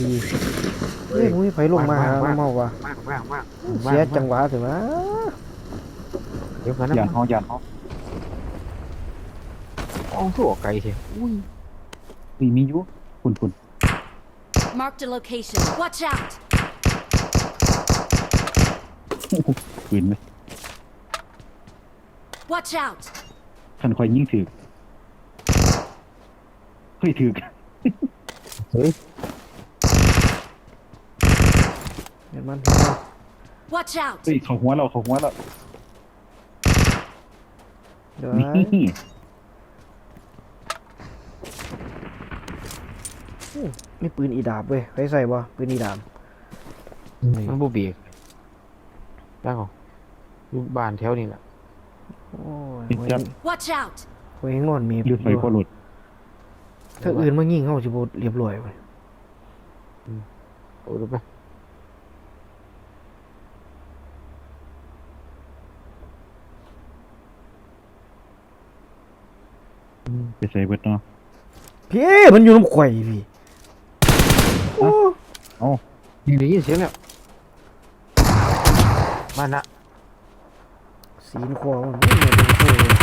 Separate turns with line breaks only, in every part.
เฮ้ยมุ้ยไฟลงมาเมาวะ
ว่าง
เสียจังหวะถึงนะ
เดี๋ยวกันนะ
หยาดห้องหยาดห้อง
เอาสู้ออกไกลสิอุ้ย
มีอยู่คุณ
Marked a location. Watch out!
ปืนไหม
Watch out!
ท่านคอยยิ่งถือเฮ้ยถือ
เฮ้ย
เห็นมัน
Watch out!
เฮ้ยเขาหัวเรา
เดี๋ยว
นี่
มีปืนอีดาบเว้ยใครใส่บ่ปืนอีดาบ
มันบูบีแล้วก็ลูกบ้านแถวนี้แหละ
โอ้ย
นี่จับ
Watch out!
โอ้ยงอนมี
หรือไฟพอหลุด
ถ้าอื่นมายิงเขาสิบ่เรียบร้อยเว้ย
โอ้ดูไป
ไปใส่เบิดเนาะ
พี่มันอยู่น้ำข่อยพี่โอ้
เอ้า
ได้ยินเสียงแล้วบ้านละ
สีนคอมันไม่เหมือนเป็นโซ่เลย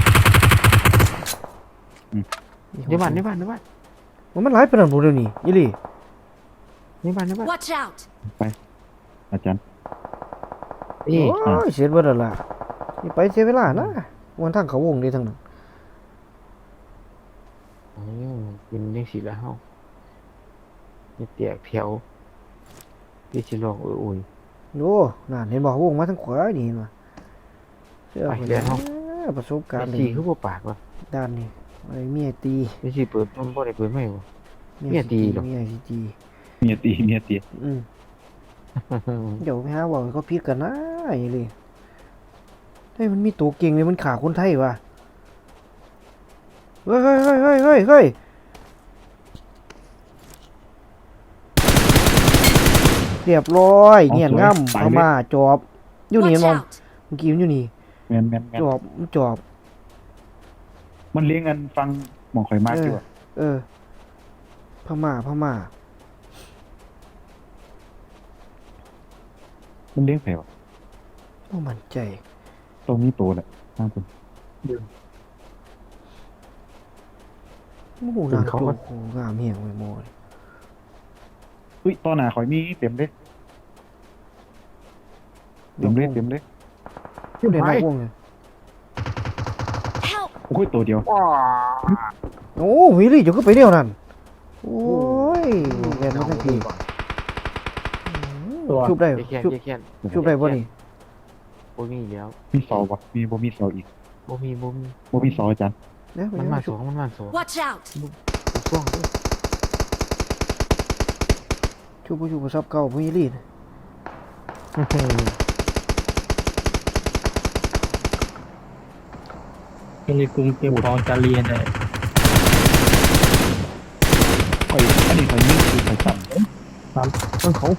ในบ้าน
มันหลายปานนั้นบ่เดี๋ยวนี้อีหลี
ในบ้าน
Watch out!
ไปอาจารย์
โอ้ยเสียเบิดแล้วล่ะนี่ไปเสียเวลานะวันทางเขาวงนี่ทั้งนั้น
เป็นยังสีละเฮานี่เตียกแถวที่สิลองอุ่น
โอ้นั่นเห็นบ่วงมาทางขวานี่เห็นบ่เชื่อ
ไป
ผม
เรียนเฮา
ประสบการณ์
สีคือบ่ปากวะ
ด้านนี้ไอ้เมียตี
ไม่สิเปิดมันบ่ได้เปิดไม่บ่ เมียตีเหรอ
เมียสิตี
เมียตี
อืมเดี๋ยวไปหาว่าเขาผิดกันนะไอ้เลยเฮ้ยมันมีตัวเก่งเลยมันขาคนไทยว่ะเฮ้ยเรียบร้อยเงียนง่ำเอามาจอบอยู่นี่
Watch
มอง
out!
เมื่อกี้มันอยู่นี่
แม่น
จอบมันจอบ
มันเลี้ยงกันฟังหมองข่อยมากอยู่อะ
เออพม่า
มันเลี้ยงแผลวะ
โอ้มั่นใจ
ตรงนี้โตแหละทางคุณ
โอ้โหนางโจโหงามเหี่ยงไปหมด
อุ้ยตอนหน้าข่อยมีเต็มเลย
เดี๋ยว
เต็ม
เดี๋
เลย
ยวนักวงเลย
Help!
โอ้ยตัวเดียว
ว้า
โอ้วิลลี่จะขึ้นไปเดียวนั่นโอ้ยแกนมาทั้งทีชุบได้
แค่น
ชุบได้ป่ะนี่
บ่มีแล้ว
มีเสาปะบ่มีเสาอีก
บ่มี
บ่มีเสาอาจารย์
เนี่ย
มันมา
ชุ
ส
บ
องมันมาสอง
Watch out!
ช่วงด้วย
ชุบซับเก่าวิลลี่
ในกรุงเก็บของจะเรียนเลย
ข่อยอันนี้ข่อยยิงคือข่อยสั่น
มันเขา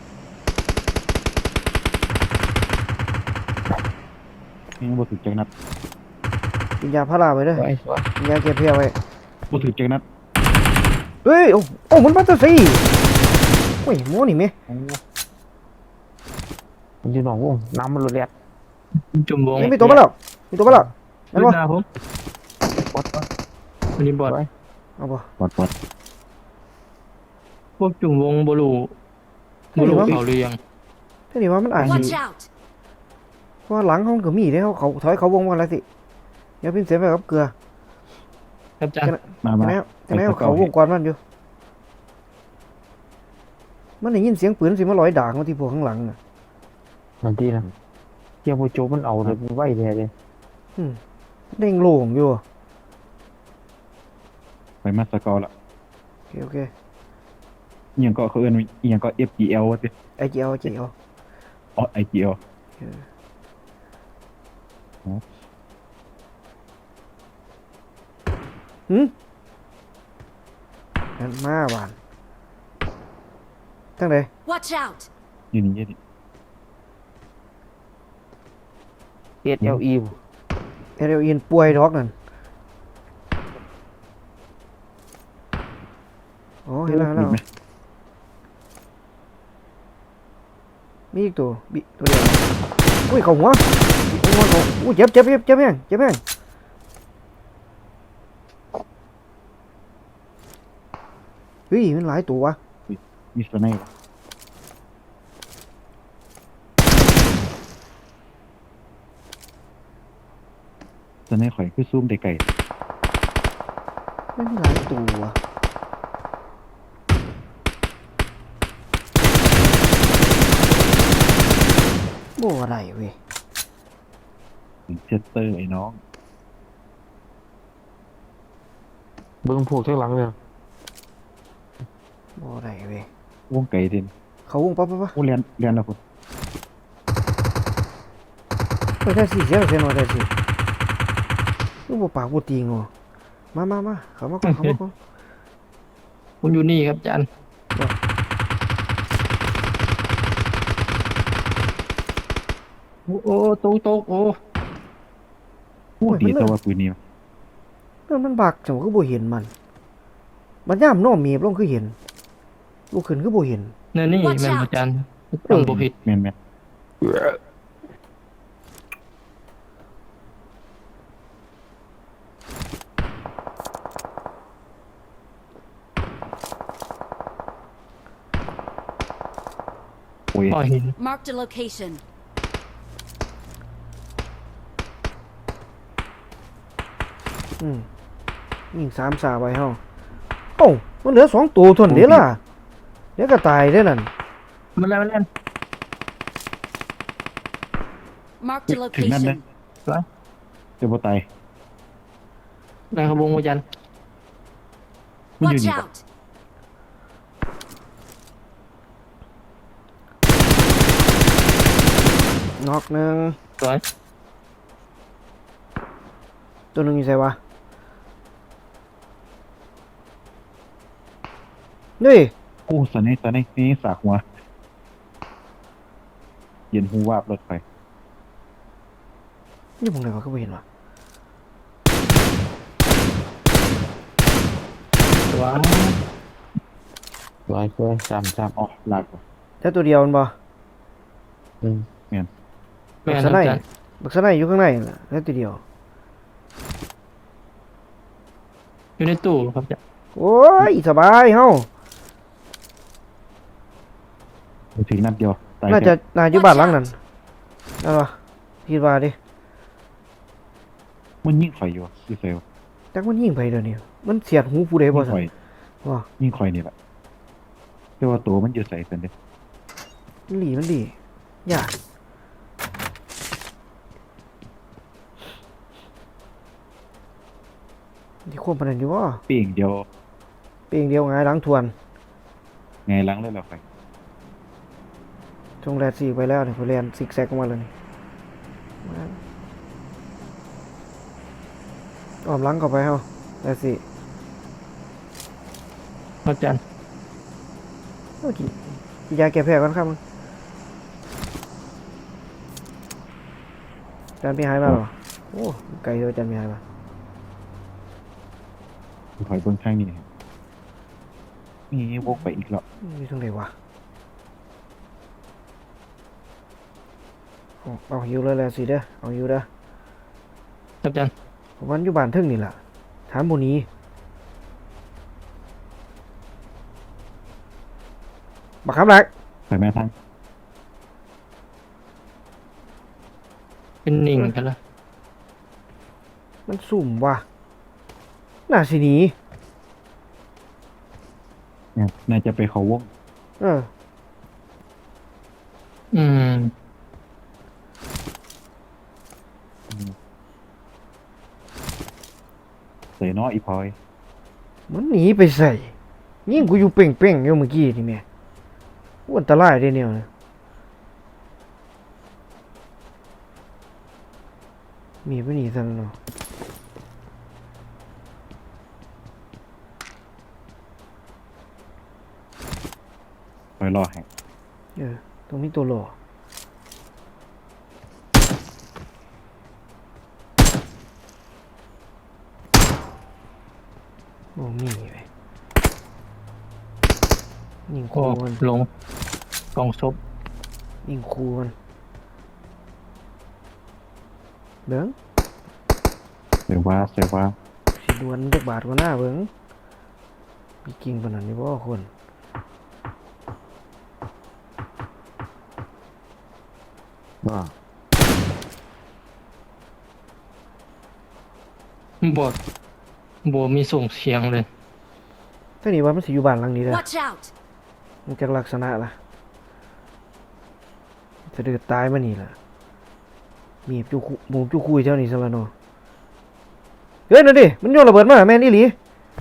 ยังบ่ถึกจักนัด
กินยาพาราไปเด้อ
สวย
กินยาแก้เพี้ยไว้
บ่ถึกจักนัด
เฮ้ยโอ้มันมาตัวสี่โอ้ยโม่นี่แม่
โอ้
มันอยู่หนองวงน้ำมันรุนแรง
จุ่มวง
มีตัวมาแล้วนั่น
ดู
วะ
หน้าผม
บอส
วันนี้บอด
เอาบ่
ปอด
พวกจุ่มวงบลูเขาหรือยัง
ทีนี้ว่ามันอาจ
Watch out!
เพราะหลังห้องก็มีเด้เขาถอยเขาวงมาแล้วสิอย่าพิมพ์เสียไปกับเกลือ
ครับอาจารย์
มา
จะไหนเขาวงก่อนมันอยู่มันได้ยินเสียงปืนสิมาลอยด่างมาที่พวกข้างหลังน่ะ
นั่นที่นะเกี่ยวโมโจมันเอาเลยไว้เลย
เด้งโล่งอยู่
ไปมาสกอร์ละ
โอเค
อีหยังก็เขาเอิ้นว่าอีหยังก็ FGL ว่าติ
ไอเจียว
อ๋อ IGL
นั่นมาหวานทั้งใด
Watch out!
อยู่นี่
เอสเอลอี
เอเดอินป่วยดอกนั่นโอ้เห็นแล้ว
เห็นไหม
มีอีกตัวตัวเดียวอุ้ยเข้าหัวหัวเขาอุ้ยเจ็บแห้งเจ็บแห้งเฮ้ยมันหลายตัววะ
มีสไนป์สไนป์ข่อยคือซูมได้ไกล
มันมีหลายตัววะโบ่อะไรเว้ย
เชสเตอร์ไอ้น้อง
เบิ่งพวกข้างหลังเนี่ย
บ่อะไรเว้ยว
งไก่เด่น
เขาวงปั๊บ
โอ้เรียนแล้วคุณ
ไปได้สิเสียหน่อยได้สิลูกบ่ปากบ่ตีงอมาเข้ามาก่อน
ผมอยู่นี่ครับอาจารย์โอ้ตกโอ้
พูดดีแต่ว่าปืนนี้
นั่นมันบักจังคือบ่เห็นมันย่ามน้อมเมียบลงคือเห็นลูกขึ้นคือบ่เห็น
เนี่ยนี่
Watch
แม่น
out
อาจารย์ฟังบ่ผิด
แม่นโอ้ย
ก็เห็น
Marked a location.
ยิง3 3ไว้เฮาโอ้ามันเหลือ2ตัวเท่านั้นเด้ล่ะเดี๋ยวก็ตายเด้นั่น
มันแล้ว
Marked a
ถึงนั่นนะ
location.
จะบ่ตาย
นะครับวงอาจารย์
มันอยู่
Watch
นี่ปะ
out!
น็อกหนึง
สวย
ตัวหนึงอยู่ไสวะนี่
โอ้สไนป์นี่สากหัวเย็นหูวาบรถไฟ
นี่ผมไหนวะก็บ่เห็นวะ
ว้าว
หลายตัวจำ
อ๋อลากว่ะ
แต่ตัวเดียวมันบ่
อืม
แม่น
บัก
ค
ส
รับ
ไน
อา
ด์
จารย์
บักสไนด์อยู่ข้างในน่ะแต่ตัวเดียว
อยู่ในตู้ครับอาจารย์
โอ้ยสบายเฮา
ถึงนัดเดียวตาย
น่า
แค่
จะอยู่บ้านหลังนั้นนั่นวะคิดว่าดิ
มันยิ่งข่อยอยู่คือเซล
จักมันยิงไปเดี๋ยวนี้มันเสียดหูผู้ใดบ่
ยิ่ง
ซั่
ข่อย
นว่า
ยิ่งข่อยนี่แหละแต่ว่าตัวมันอยู่ใส่เป็นเด้
มันดียากที่ควบปานนั้นอยู่บ่
ปีงเดียว
เปียงเดียวหงายหลังทวน
ไงล้างเลยเราไป
จงแลดสีไปแล้วนี่พอแลนซิกแซกออกมาแล้วนี่มาอ้อมหลังเข้าไปเฮาแลดสิ
อาจารย์
เอากินยาแก้แพ้ก่อนครับมึงจานพี่หายมาเหรอโอ้ไกลเลยจานพี่หายมา
ถอยเบื้องข้างนี่นี่วกไปอีกแล้ว
อยู่ตรงไหนวะเอาหิวเลยแหละสิเด้อเอาหิวเด้อ
ครับอาจารย์
ผมวันอยู่บ้านเทึ่งนี่แหละถามโมนี้บักคำหลัก
ใส่แม่ทั้ง
เป็นนิ่งกันละ
มันสุ่มว่ะน่าสิหนี
เนี่ยนายจะไปเขาวง
เออ
อืม
ใส่น้ออีพลอย
มันหนีไปใส่ยิ่งกูอยู่เป่งๆอยู่เมื่อกี้นี่แม่อ้วนตะไลายได้เนี่ยนะมีไปหนีซะแล้วเนาะ
คอยรอให้
ตรงนี้ตัวหล่อโอ้มีไปยิงโค
โอ้
มัน
ลงกล่องศพ
ยิงคูมันเบิ้ง
เสียว่าเสียว่า
สิดวนจักบาทกว่าหน้าเบิ้งมีกิ่งปานนั้นนี่บ่คน
ว่า
บ่มีส่งเสียงเลย
แต่นี่ว่ามันสิอยู่บ้านหลังนี้เด้อ
Watch out!
มันจากลักษณะล่ะจะเดือดตายมานี่ล่ะมีบจูคุหมูจูคุยเจ้านี่ซะละเนาะเฮ้ยนั่นดิมันโยนระเบิดมาแม่นอีหลี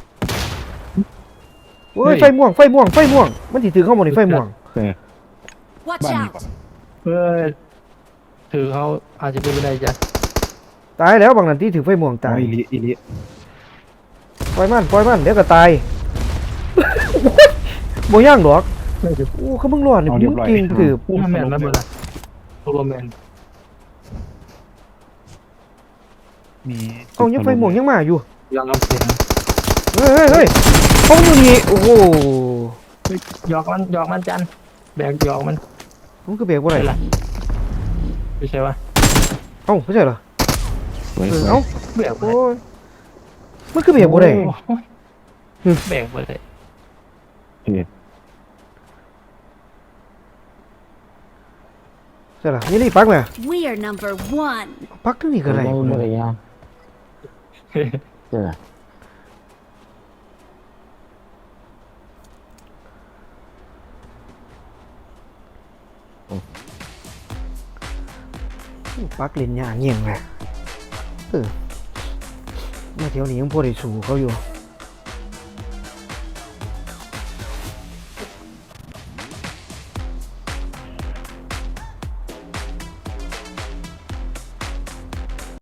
โอ้ยไฟม่วงมันสิถือเข้าหมดนี่ไฟม่วง
เออ
Watch
Bạn
out!
เพื่อถือเขาอาจจะเป็นไปได้จ้ะ
ตายแล้วบางนันที่ถือไฟม่วง
ตา
ตาย ย
อีลิ
ปล่อยมันเดี๋ยวก็ตาย โบย่างดอกโอ้เขามึงรอดนี่มึงกินถือ
ผู้แมนแล้วเมื่อไหร่โรแมน
มี
เอายังไฟม่วงยังมาอยู่
ยังเอาเสียง
เฮ้ยเขาอยู่นี่โอ้โห
หยอกมันจันแบกหยอกมัน
มันคือเบรกบ่ได้
ล่ะไม่ใช่วะ
เอ้าไม่ใช่เหรอ
สวย
เอ้า
แบกบ่
โอ้
ได้
ยมันคือเบรกบ่ได้
โอ้ยแบกบ่ได้
เอ็ด
ใช่เหรอนี่ปักไหม
We are number one.
ปักทั้งนี้ก็ได้
บ่ได้ยาวเจ้า
ปักเล่นยากเงี้ยงเลยมาเที่ยวนี้ยังพอได้สู่เขาอยู่